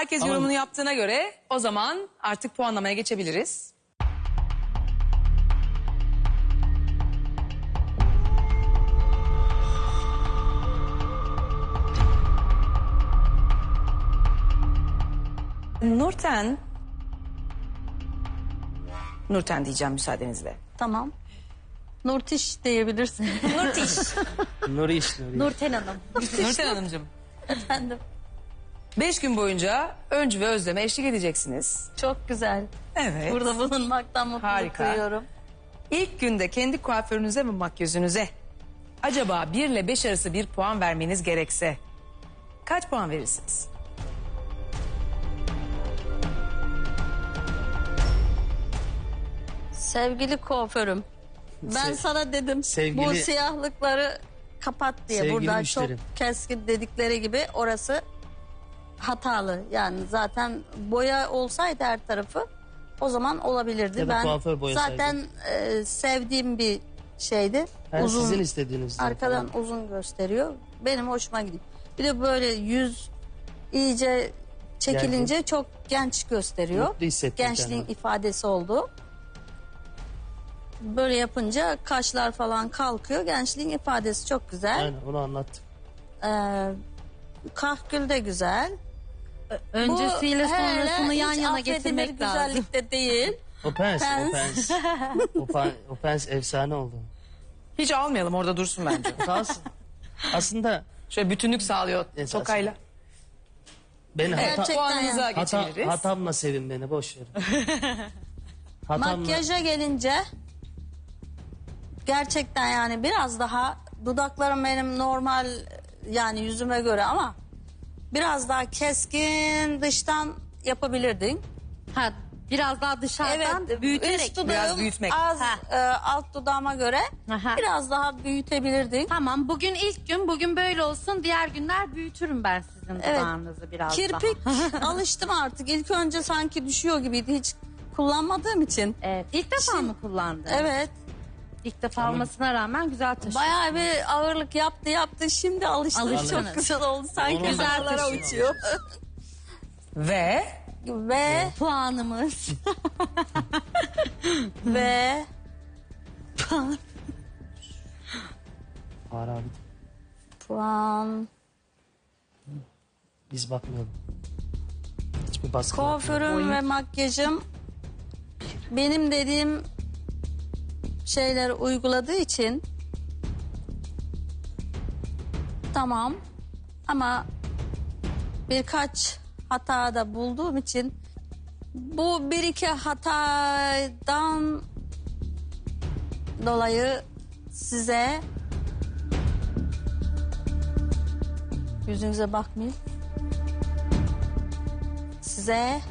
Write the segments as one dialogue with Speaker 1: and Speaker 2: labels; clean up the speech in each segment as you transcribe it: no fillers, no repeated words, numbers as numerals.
Speaker 1: Herkes
Speaker 2: Ama-
Speaker 1: yorumunu yaptığına göre o zaman artık puanlamaya geçebiliriz. Nurten diyeceğim müsaadenizle.
Speaker 3: Tamam. Nurtiş diyebilirsin.
Speaker 1: Nurtiş.
Speaker 2: Nuriş.
Speaker 3: Nurten Hanım.
Speaker 1: Nurten Hanımcığım.
Speaker 3: Efendim.
Speaker 1: 5 gün boyunca Öncü ve Özlem'e eşlik edeceksiniz.
Speaker 3: Çok güzel.
Speaker 1: Evet.
Speaker 3: Burada bulunmaktan mutluluk
Speaker 1: Harika.
Speaker 3: duyuyorum.
Speaker 1: İlk günde kendi kuaförünüze ve makyözünüze acaba 1 ile 5 arası bir puan vermeniz gerekse kaç puan verirsiniz?
Speaker 3: Sevgili kuaförüm. Ben sana dedim
Speaker 2: sevgili-
Speaker 3: bu siyahlıkları kapat diye.
Speaker 2: Sevgili
Speaker 3: Buradan
Speaker 2: müşterim.
Speaker 3: çok keskin dedikleri gibi orası hatalı. Yani zaten boya olsaydı her tarafı o zaman olabilirdi.
Speaker 2: Ya da kuaför boyasaydı.
Speaker 3: zaten sevdiğim bir şeydi.
Speaker 2: Ben
Speaker 3: uzun,
Speaker 2: sizin istediğiniz.
Speaker 3: arkadan uzun gösteriyor. Benim hoşuma gidiyor. Bir de böyle yüz iyice çekilince çok genç gösteriyor.
Speaker 2: Mutlu hissettim
Speaker 3: Gençliğin
Speaker 2: kendimi.
Speaker 3: ifadesi oldu. Böyle yapınca kaşlar falan kalkıyor. Gençliğin ifadesi çok güzel.
Speaker 2: Aynen onu anlattık.
Speaker 3: Kahkül de güzel.
Speaker 4: Öncesiyle
Speaker 3: Bu hele
Speaker 4: sonrasını yan
Speaker 3: hiç
Speaker 4: yana
Speaker 3: affedilir
Speaker 4: getirmek lazım.
Speaker 3: güzellikte değil.
Speaker 2: O pens.
Speaker 3: Pens.
Speaker 2: O pens efsane oldu.
Speaker 1: Hiç almayalım, orada dursun bence.
Speaker 2: Kalsın. Aslında
Speaker 1: Şöyle bütünlük sağlıyor
Speaker 2: Esas.
Speaker 1: tokayla.
Speaker 2: beni
Speaker 3: Gerçekten
Speaker 1: Puanınıza
Speaker 3: yani.
Speaker 1: geçebiliriz.
Speaker 2: hatamla sevin beni boş verin. Hatamla.
Speaker 3: Makyaja gelince gerçekten yani biraz daha dudaklarım benim normal yani yüzüme göre ama biraz daha keskin dıştan yapabilirdin.
Speaker 4: Ha, biraz daha dışarıdan büyüterek.
Speaker 3: üst dudağım
Speaker 1: Biraz büyütmek.
Speaker 3: az alt dudağıma göre
Speaker 4: Aha.
Speaker 3: biraz daha büyütebilirdin.
Speaker 4: Tamam, bugün ilk gün, bugün böyle olsun. Diğer günler büyütürüm ben sizin dudağınızı biraz
Speaker 3: Kirpik
Speaker 4: daha.
Speaker 3: alıştım artık. İlk önce sanki düşüyor gibiydi hiç kullanmadığım için.
Speaker 4: Evet, ilk defa mı kullandın?
Speaker 3: Evet.
Speaker 4: İlk defa olmasına rağmen güzel taşıyorsun.
Speaker 3: Bayağı bir ağırlık yaptı. Şimdi alıştım.
Speaker 4: Alıştınız.
Speaker 3: Çok güzel oldu. Sanki
Speaker 2: Onu
Speaker 3: güzellara
Speaker 4: taşıyorsunuz.
Speaker 3: uçuyor.
Speaker 1: Ve
Speaker 3: ve
Speaker 4: Puanımız.
Speaker 3: ve
Speaker 2: Var abi.
Speaker 3: puan.
Speaker 2: Biz bakmıyorduk. Hiçbir baskı
Speaker 3: Kuaförüm ve makyajım benim dediğim şeyleri uyguladığı için tamam ama birkaç hata da bulduğum için bu bir iki hatadan dolayı size yüzünüze bakmayayım. Size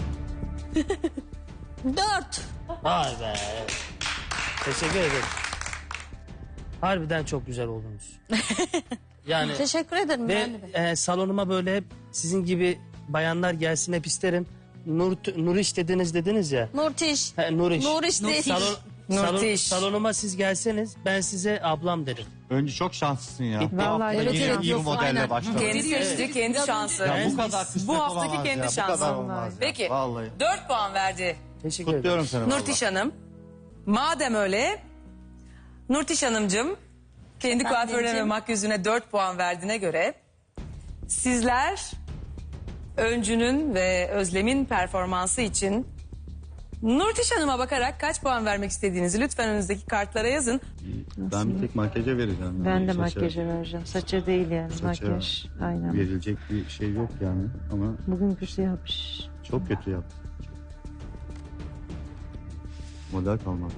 Speaker 3: 4.
Speaker 2: Vay be. Teşekkür ederim. Harbiden çok güzel oldunuz. Yani
Speaker 3: Teşekkür ederim.
Speaker 2: ve
Speaker 3: ben de.
Speaker 2: salonuma böyle hep sizin gibi bayanlar gelsin hep isterim. Nuriş dediniz ya.
Speaker 3: Nurtiş.
Speaker 2: Nuriş.
Speaker 3: Nuriş değil.
Speaker 1: Nurtiş.
Speaker 2: Salonuma siz gelseniz ben size ablam derim.
Speaker 5: Önce çok şanslısın ya. İlk
Speaker 4: Vallahi
Speaker 5: hafta
Speaker 4: evet,
Speaker 5: yine
Speaker 4: evet,
Speaker 5: iyi bir
Speaker 4: yok,
Speaker 5: modelle
Speaker 4: aynen.
Speaker 5: başladın.
Speaker 1: kendi seçti, kendi şansı.
Speaker 5: Ya bu kadar kısmet
Speaker 1: Bu haftaki
Speaker 5: olamaz
Speaker 1: kendi
Speaker 5: ya.
Speaker 1: şansı.
Speaker 5: Bu kadar olmaz ya.
Speaker 1: Peki
Speaker 5: Vallahi.
Speaker 1: 4 puan verdi
Speaker 2: Teşekkür ederim.
Speaker 5: Kutluyorum seni
Speaker 1: Nurtiş Hanım. Madem öyle Nurtiş Hanımcığım kendi kuaförüne ve
Speaker 3: diyeceğim.
Speaker 1: makyözüne 4 puan verdiğine göre sizler Öncü'nün ve Özlem'in performansı için Nurtiş Hanım'a bakarak kaç puan vermek istediğinizi lütfen önünüzdeki kartlara yazın.
Speaker 5: Ben bir tek makyaja vereceğim.
Speaker 6: Ben
Speaker 5: Yani
Speaker 6: de
Speaker 5: saça-
Speaker 6: makyaja vereceğim. Saça değil yani
Speaker 5: saça
Speaker 6: makyaj. Aynen.
Speaker 5: Verilecek bir şey yok yani ama
Speaker 6: Bugün kötü yapmış.
Speaker 5: çok kötü yaptı. Model kalmadı.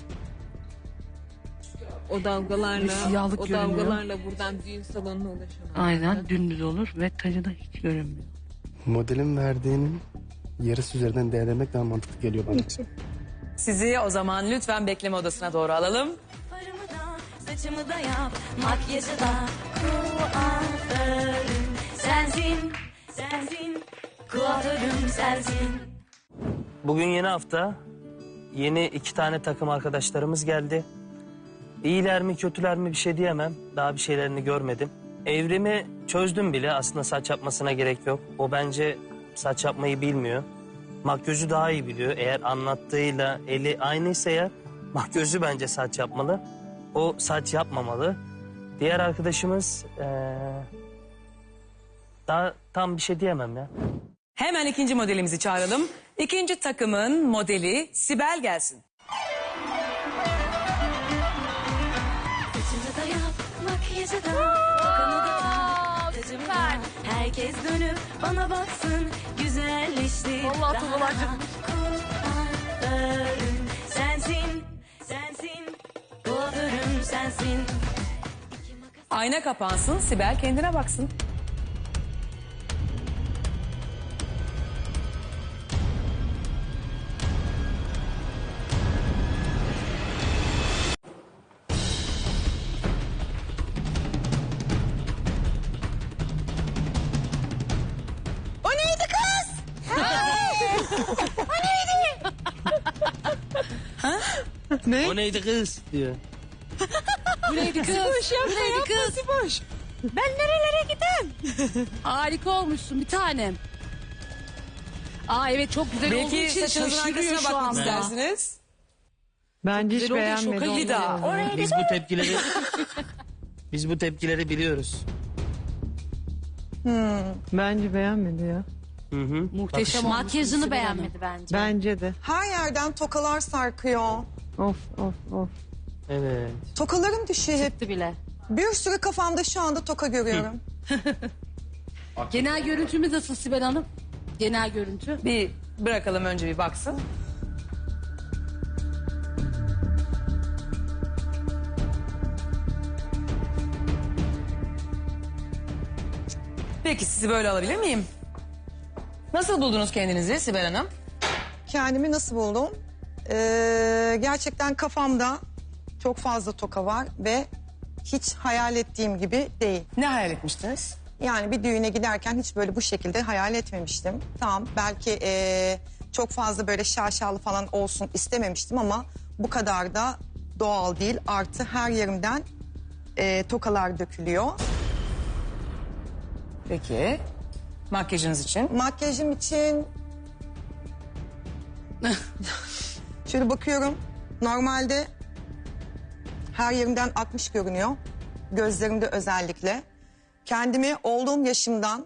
Speaker 7: O dalgalarla,
Speaker 1: Siyahlık
Speaker 7: o
Speaker 1: görünüyor.
Speaker 7: dalgalarla buradan düğün salonuna ulaşamam.
Speaker 6: Aynen dümdüz olur ve tacı da hiç görünmüyor.
Speaker 8: Modelin verdiğinin yarısı üzerinden değerlendirmek daha mantıklı geliyor bana.
Speaker 1: Sizi o zaman lütfen bekleme odasına doğru alalım.
Speaker 9: Farımı da, saçımı da yap, makyajı da kuaförüm sensin, sensin, kuaförüm sensin.
Speaker 2: Bugün yeni hafta. Yeni 2 tane takım arkadaşlarımız geldi. İyiler mi kötüler mi bir şey diyemem. Daha bir şeylerini görmedim. Evrimi çözdüm bile. Aslında saç yapmasına gerek yok. O bence saç yapmayı bilmiyor. Makyözü daha iyi biliyor. Eğer anlattığıyla eli aynıysa ya makyözü bence saç yapmalı. O saç yapmamalı. Diğer arkadaşımız daha tam bir şey diyemem ya.
Speaker 1: Hemen ikinci modelimizi çağıralım. İkinci takımın modeli Sibel gelsin.
Speaker 9: Saçımı da yap, makyajı da, tokamı da tak, tacımı da. Herkes dönüp bana baksın, güzelleştir daha. Kuaförüm sensin, sensin, kuaförüm sensin.
Speaker 1: Ayna kapansın, Sibel kendine baksın.
Speaker 10: O neydi kız?
Speaker 2: O neydi kız diyor.
Speaker 10: Neydi kız? Boş yapma, neydi kız? Boş. Ben nerelere gideyim?
Speaker 11: Harika olmuşsun bir tanem. Aa evet çok güzel olduğu
Speaker 1: Belki
Speaker 11: için
Speaker 1: saçınızın
Speaker 11: şaşırıyor
Speaker 1: arkasına
Speaker 11: şu
Speaker 1: bakmak
Speaker 11: anda.
Speaker 1: istersiniz.
Speaker 6: Bence hiç
Speaker 11: Güzel oldu,
Speaker 6: beğenmedim.
Speaker 11: şoka
Speaker 1: Bir daha.
Speaker 2: Biz bu tepkileri biliyoruz.
Speaker 6: Bence beğenmedi ya.
Speaker 2: Hı hı.
Speaker 11: Muhteşem olmuş.
Speaker 4: Makyajını beğenmedi bence.
Speaker 6: Bence de.
Speaker 10: Her yerden tokalar sarkıyor.
Speaker 6: Of of of.
Speaker 2: Evet.
Speaker 10: Tokalarım düşüyor hep.
Speaker 4: Çıktı bile.
Speaker 10: Bir sürü kafamda şu anda toka görüyorum.
Speaker 11: Genel görüntümüz nasıl Sibel Hanım? Genel görüntü.
Speaker 1: Bir bırakalım önce bir baksın. Peki sizi böyle alabilir miyim? Nasıl buldunuz kendinizi Sibel Hanım?
Speaker 10: Kendimi nasıl buldum? Gerçekten kafamda çok fazla toka var ve hiç hayal ettiğim gibi değil.
Speaker 1: Ne hayal etmiştiniz?
Speaker 10: Yani bir düğüne giderken hiç böyle bu şekilde hayal etmemiştim. Tamam belki çok fazla böyle şaşalı falan olsun istememiştim ama bu kadar da doğal değil. Artı her yerimden tokalar dökülüyor.
Speaker 1: Peki. Makyajınız için?
Speaker 10: Makyajım için şöyle bakıyorum. Normalde her yerimden 60 görünüyor. Gözlerimde özellikle. Kendimi olduğum yaşımdan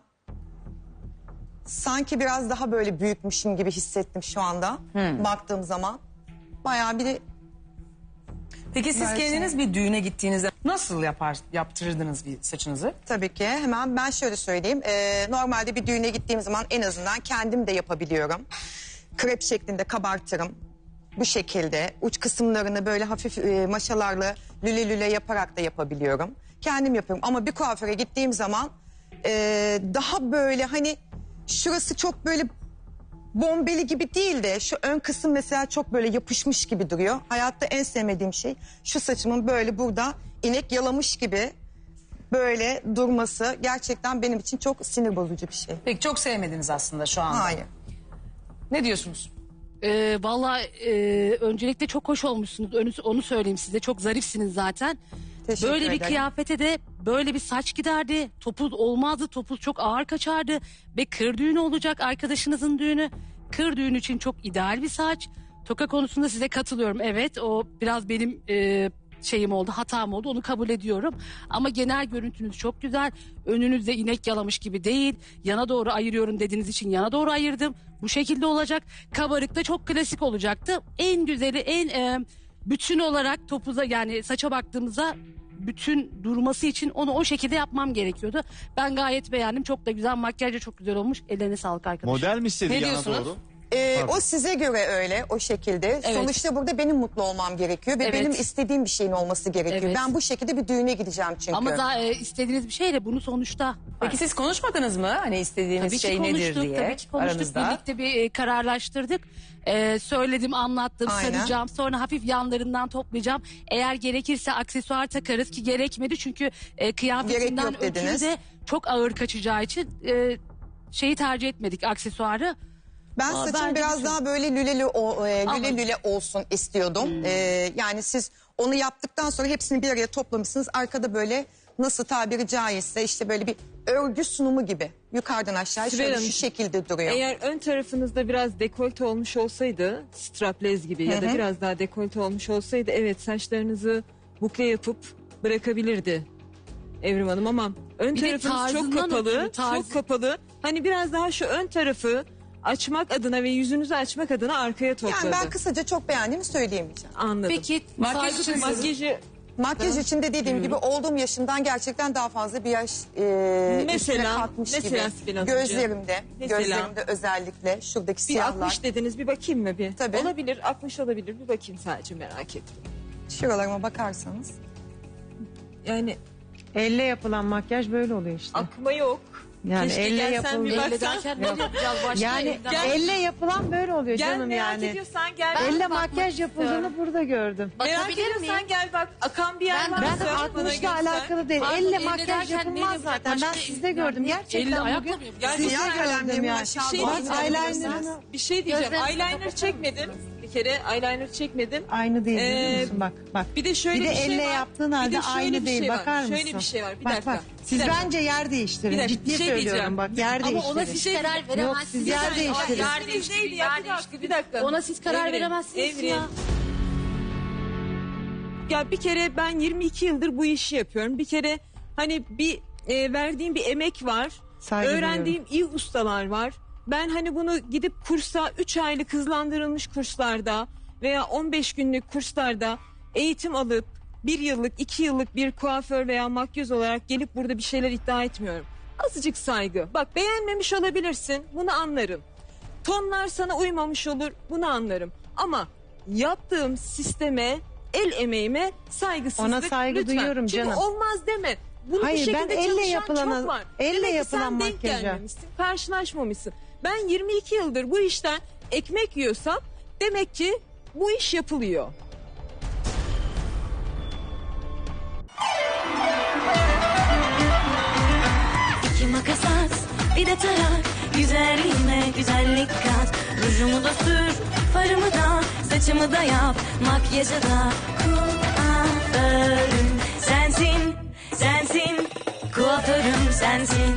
Speaker 10: sanki biraz daha böyle büyükmüşüm gibi hissettim şu anda. Baktığım zaman. Bayağı bir
Speaker 1: Peki siz
Speaker 10: Belki.
Speaker 1: kendiniz bir düğüne gittiğinizde nasıl yaptırırdınız bir saçınızı?
Speaker 10: tabii ki hemen ben şöyle söyleyeyim. Normalde bir düğüne gittiğim zaman en azından kendim de yapabiliyorum. Krep şeklinde kabartırım. Bu şekilde uç kısımlarını böyle hafif maşalarla lüle lüle yaparak da yapabiliyorum. Kendim yapıyorum ama bir kuaföre gittiğim zaman daha böyle hani şurası çok böyle bombeli gibi değil de şu ön kısım mesela çok böyle yapışmış gibi duruyor. Hayatta en sevmediğim şey şu saçımın böyle burada inek yalamış gibi böyle durması gerçekten benim için çok sinir bozucu bir şey.
Speaker 1: Peki çok sevmediniz aslında şu anda.
Speaker 10: Hayır.
Speaker 1: Ne diyorsunuz?
Speaker 11: Vallahi öncelikle çok hoş olmuşsunuz. Onu söyleyeyim size. Çok zarifsiniz zaten.
Speaker 10: Teşekkür
Speaker 11: Böyle bir
Speaker 10: ederim.
Speaker 11: kıyafete de böyle bir saç giderdi. Topuz olmazdı. Topuz çok ağır kaçardı. Ve kır düğünü olacak arkadaşınızın düğünü. Kır düğünü için çok ideal bir saç. Toka konusunda size katılıyorum. Evet o biraz benim şeyim oldu, hatam oldu. Onu kabul ediyorum. Ama genel görüntünüz çok güzel. Önünüzde inek yalamış gibi değil. Yana doğru ayırıyorum dediğiniz için yana doğru ayırdım. Bu şekilde olacak. Kabarık da çok klasik olacaktı. En güzeli, en bütün olarak topuza yani saça baktığımızda bütün durması için onu o şekilde yapmam gerekiyordu. Ben gayet beğendim. Çok da güzel. Makyaj da çok güzel olmuş. Ellerine sağlık arkadaşlar.
Speaker 12: Model mi istedi
Speaker 1: Ne
Speaker 12: yana
Speaker 1: diyorsunuz?
Speaker 12: doğru?
Speaker 10: O size göre öyle o şekilde. Sonuçta burada benim mutlu olmam gerekiyor ve
Speaker 11: Evet.
Speaker 10: benim istediğim bir şeyin olması gerekiyor.
Speaker 11: Evet.
Speaker 10: Ben bu şekilde bir düğüne gideceğim çünkü.
Speaker 11: Ama daha istediğiniz bir şey de bunu sonuçta...
Speaker 1: Peki siz konuşmadınız mı? Hani istediğiniz
Speaker 11: Tabii ki
Speaker 1: şey nedir
Speaker 11: konuştuk,
Speaker 1: diye
Speaker 11: tabii ki konuştuk.
Speaker 1: aranızda.
Speaker 11: Birlikte bir kararlaştırdık. Söyledim, anlattım,
Speaker 10: Aynen.
Speaker 11: saracağım. Sonra hafif yanlarından toplayacağım. Eğer gerekirse aksesuar takarız ki gerekmedi. Çünkü kıyafetinden
Speaker 10: yok
Speaker 11: ötürü
Speaker 10: dediniz.
Speaker 11: de çok ağır kaçacağı için şeyi tercih etmedik, aksesuarı.
Speaker 10: Ben
Speaker 11: Aa,
Speaker 10: saçım
Speaker 11: bence
Speaker 10: biraz
Speaker 11: çok-
Speaker 10: daha böyle lüle olsun istiyordum. Yani siz onu yaptıktan sonra hepsini bir araya toplamışsınız. Arkada böyle nasıl tabiri caizse işte böyle bir örgü sunumu gibi. Yukarıdan aşağı
Speaker 7: Sibel
Speaker 10: şöyle
Speaker 7: Hanım,
Speaker 10: şu şekilde duruyor.
Speaker 7: Eğer ön tarafınızda biraz dekolte olmuş olsaydı, straplez gibi ya da biraz daha dekolte olmuş olsaydı, evet saçlarınızı bukle yapıp bırakabilirdi Evrim Hanım, ama ön
Speaker 11: Bir de
Speaker 7: tarafınız çok
Speaker 11: tarzından
Speaker 7: kapalı,
Speaker 11: ötürü, tarzı.
Speaker 7: çok kapalı. Hani biraz daha şu ön tarafı açmak adına ve yüzünüzü açmak adına arkaya topladı.
Speaker 10: Yani ben kısaca çok beğendiğimi söyleyemeyeceğim.
Speaker 7: Anladım.
Speaker 11: Peki
Speaker 1: Makyaj
Speaker 11: saygı
Speaker 1: için
Speaker 11: duyuyorum.
Speaker 7: Makyajı
Speaker 10: Makyaj için de dediğim gibi olduğum yaşımdan gerçekten daha fazla bir yaş üstüne
Speaker 7: Mesela
Speaker 10: katmış gibi.
Speaker 7: Sibel Hanımcığım.
Speaker 10: Gözlerimde özellikle şuradaki
Speaker 7: bir
Speaker 10: siyahlar.
Speaker 7: 60 dediniz, bir bakayım mı bir?
Speaker 10: Tabii.
Speaker 7: Olabilir, 60 olabilir, bir bakayım sadece, merak ettim.
Speaker 10: Şuralarıma bakarsanız.
Speaker 7: Yani
Speaker 6: Elle yapılan makyaj böyle oluyor işte.
Speaker 7: akma yok.
Speaker 6: Yani
Speaker 7: Keşke
Speaker 6: elle
Speaker 7: gelsen bir
Speaker 6: yapıldı.
Speaker 11: Elle
Speaker 7: baksan.
Speaker 11: derken ne yapacağız? Başka
Speaker 6: Yani
Speaker 11: elden-
Speaker 6: elle yapılan böyle oluyor
Speaker 7: Gel,
Speaker 6: canım
Speaker 7: merak
Speaker 6: yani.
Speaker 7: ediyorsan gel.
Speaker 11: Ben
Speaker 6: Elle
Speaker 11: bakmak
Speaker 6: makyaj
Speaker 11: istiyorum.
Speaker 6: yapıldığını burada gördüm.
Speaker 7: Merak
Speaker 11: Bakabilir
Speaker 7: ediyorsan
Speaker 11: miyim?
Speaker 7: gel bak. Akan bir yer
Speaker 11: Ben-
Speaker 7: varsa
Speaker 6: Ben
Speaker 7: bana
Speaker 6: 60'la
Speaker 7: göster.
Speaker 6: alakalı değil.
Speaker 11: Pardon,
Speaker 6: Elle
Speaker 11: elle
Speaker 6: makyaj
Speaker 11: derken
Speaker 6: yapılmaz
Speaker 11: neyle-
Speaker 6: zaten. Ben
Speaker 11: başka-
Speaker 6: sizde gördüm. Gerçekten
Speaker 11: Elle
Speaker 6: bugün
Speaker 11: ayakla mı yapacağız?
Speaker 7: Yani
Speaker 10: Siyah
Speaker 6: gördüm
Speaker 10: kalemlerimi
Speaker 6: ya.
Speaker 10: aşağı
Speaker 7: Bir şey
Speaker 10: doğru
Speaker 7: diyeceğim.
Speaker 6: eyeliner'ını
Speaker 7: Bir şey diyeceğim.
Speaker 11: Gözlerinizi
Speaker 7: Eyeliner
Speaker 11: kapatır
Speaker 7: çekmedim. Bir kere eyeliner çekmedim.
Speaker 6: aynı değil biliyor
Speaker 7: Ee,
Speaker 6: musun? Bak.
Speaker 7: Bir de şöyle
Speaker 6: Bir de
Speaker 7: bir şey
Speaker 6: elle
Speaker 7: var.
Speaker 6: yaptığın
Speaker 7: Bir
Speaker 6: halde
Speaker 7: de şöyle
Speaker 6: aynı
Speaker 7: bir
Speaker 6: değil.
Speaker 7: şey var.
Speaker 6: Bakar mısın?
Speaker 7: Şöyle bir şey var. Bir
Speaker 6: Bak
Speaker 7: dakika.
Speaker 6: bak. Siz
Speaker 7: Bir dakika.
Speaker 6: bence yer değiştirin.
Speaker 7: Bir dakika,
Speaker 6: Ciddi
Speaker 7: bir şey
Speaker 6: söylüyorum
Speaker 7: diyeceğim.
Speaker 6: bak. Yer
Speaker 11: Ama ona
Speaker 6: değiştirin.
Speaker 11: siz karar veremezsiniz.
Speaker 6: Yok, siz yer değiştirin.
Speaker 11: Yer değiştirin. Yer değiştirin.
Speaker 7: Bir dakika.
Speaker 11: Ona siz karar
Speaker 7: Evrim,
Speaker 11: veremezsiniz
Speaker 7: Evrim.
Speaker 11: ya.
Speaker 7: Ya bir kere ben 22 yıldır bu işi yapıyorum. Bir kere hani bir verdiğim bir emek var.
Speaker 6: Saygı
Speaker 7: Öğrendiğim iyi ustalar var. Ben hani bunu gidip kursa 3 aylık hızlandırılmış kurslarda veya 15 günlük kurslarda eğitim alıp 1 yıllık 2 yıllık bir kuaför veya makyöz olarak gelip burada bir şeyler iddia etmiyorum. Azıcık saygı. Bak beğenmemiş olabilirsin, bunu anlarım. Tonlar sana uymamış olur, bunu anlarım. Ama yaptığım sisteme, el emeğime saygısızlık
Speaker 6: Ona saygı
Speaker 7: lütfen.
Speaker 6: duyuyorum
Speaker 7: Çünkü
Speaker 6: canım.
Speaker 7: olmaz deme. Bunu
Speaker 6: Hayır,
Speaker 7: bu
Speaker 6: ben
Speaker 7: şekilde
Speaker 6: elle
Speaker 7: çalışan
Speaker 6: yapılana-
Speaker 7: çok var.
Speaker 6: elle
Speaker 7: Demek ki
Speaker 6: yapılan
Speaker 7: sen denk
Speaker 6: makyaja.
Speaker 7: gelmemişsin, karşılaşmamışsın. Ben 22 yıldır bu işten ekmek yiyorsam demek ki bu iş yapılıyor.
Speaker 9: İki makas at, bir de tarak. Güzelliğime güzellik kat. Rujumu da sür, farımı da, saçımı da yap. Makyajı da kuaförüm sensin, sensin. Kuaförüm sensin.